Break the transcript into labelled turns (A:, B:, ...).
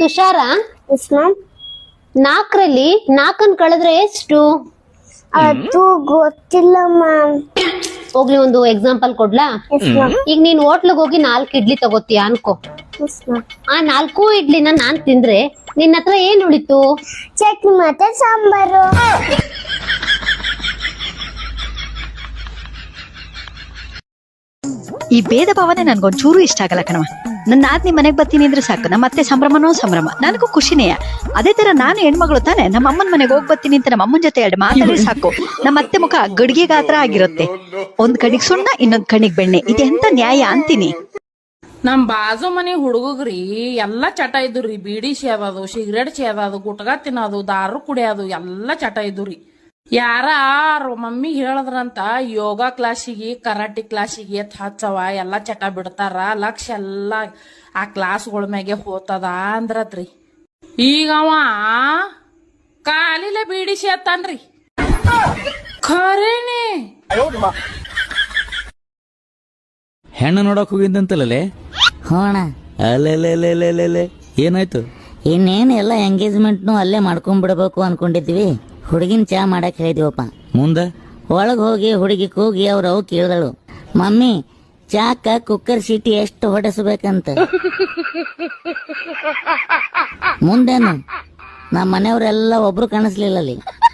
A: Tushar,
B: yes ma'am.
A: 4ರಲ್ಲಿ 4 ಕಳೆದ್ರೆ ಎಷ್ಟು?
B: ಅದು ಗೊತ್ತಿಲ್ಲ ಮ್ಯಾಮ್.
A: ಹೋಗ್ಲಿ, ಒಂದು ಎಕ್ಸಾಂಪಲ್ ಕೊಡ್ಲಾ?
B: Yes ma'am.
A: ಈಗ ನೀನ್ ಹೋಟ್ಲಿಗೆ ಹೋಗಿ 4 ಇಡ್ಲಿ ತಗೋತೀಯ ಅನ್ಕೋ.
B: Yes ma'am.
A: ಆ 4 ಇಡ್ಲಿನ ನಾನ್ ತಿಂದ್ರೆ ನಿನ್ನ ಹತ್ರ ಏನ್ ಉಳಿತು?
B: ಚಟ್ನಿ ಮತ್ತೆ ಸಾಂಬಾರು.
C: ಈ ಭೇದ ಭಾವನೆ ನನ್ಗೊಂಚೂರು ಇಷ್ಟ ಆಗಲ್ಲ ಕಣವ. ನನ್ನ ಆದ್ನಿ ಮನೆಗ್ ಬರ್ತೀನಿ ಅಂದ್ರೆ ಸಾಕು, ನಮ್ಮ ಅತ್ತೆ ಸಂಭ್ರಮನೋ ಸಂಭ್ರಮ, ನನಗೂ ಖುಷಿನೇ. ಅದೇ ತರ ನಾನು ಹೆಣ್ಮಗಳು ತಾನೆ, ನಮ್ಮ ಅಮ್ಮನ ಮನೆಗೆ ಹೋಗ್ ಬರ್ತೀನಿ ಅಂತ ನಮ್ಮ ಅಮ್ಮನ ಜೊತೆ 2 ಮಾತಾಡಿ ಸಾಕು, ನಮ್ಮ ಅತ್ತೆ ಮುಖ ಗಡಿಗೆ ಗಾತ್ರ ಆಗಿರುತ್ತೆ. ಒಂದ್ ಕಣಿಗ್ ಸುಣ್ಣ, ಇನ್ನೊಂದ್ ಕಣಿಗ್ ಬೆಣ್ಣೆ, ಇದೆಂತ ನ್ಯಾಯ ಅಂತೀನಿ.
D: ನಮ್ ಬಾಜು ಮನಿ ಹುಡುಗ್ರಿ ಎಲ್ಲಾ ಚಟ ಇದ್ರಿ. ಬೀಡಿ ಸೇದೋದು, ಸಿಗರೇಟ್ ಸೇದೋದು, ಗುಟ್ಕಾ ತಿನ್ನೋದು, ದಾರು ಕುಡಿಯೋದು ಎಲ್ಲಾ ಚಟ ಇದ್ರಿ. ಯಾರ ಮಮ್ಮಿ ಹೇಳದ್ರಂತ ಯೋಗ ಕ್ಲಾಸಿಗೆ, ಕರಾಟಿ ಕ್ಲಾಸಿಗೆ ಎತ್ ಹಚ್ಚವ, ಎಲ್ಲಾ ಚಟ ಬಿಡ್ತಾರ, ಲಕ್ಷ ಎಲ್ಲಾ ಆ ಕ್ಲಾಸ್ಗಳ ಮ್ಯಾಗೆ ಹೋತದ ಅಂದ್ರತ್ರಿ. ಈಗ ಅವ ಕಾಲಿಲೆ ಬೀಡಿ ಸೇತಾನ್ರಿ. ಖರೇನೆ
E: ಹೆಣ್ಣು ನೋಡಕ್ ಹೋಗಿದ್ದಂತಲ್ಲೇ?
F: ಹೋಣ
E: ಅಲ್ಲೇ ಏನಾಯ್ತು?
F: ಇನ್ನೇನು ಎಲ್ಲ ಎಂಗೇಜ್ಮೆಂಟ್ನು ಅಲ್ಲೇ ಮಾಡ್ಕೊಂಡ್ಬಿಡ್ಬೇಕು ಅನ್ಕೊಂಡಿದ್ವಿ. ಹುಡುಗಿನ ಚಾ ಮಾಡಕ್ ಹೇಳಿದ್ವಪ್ಪ.
E: ಮುಂದೆ
F: ಒಳಗ್ ಹೋಗಿ ಹುಡುಗಿ ಕೂಗಿ ಅವ್ರವ್ ಕೇಳಿದಳು, ಮಮ್ಮಿ ಚಾಕ ಕುಕ್ಕರ್ ಸೀಟಿ ಎಷ್ಟು ಹೊಡೆಸಬೇಕಂತ. ಮುಂದೇನು ನಮ್ಮ ಮನೆಯವರೆಲ್ಲ ಒಬ್ರು ಕಾಣಿಸ್ಲಿಲ್ಲ ಅಲ್ಲಿ.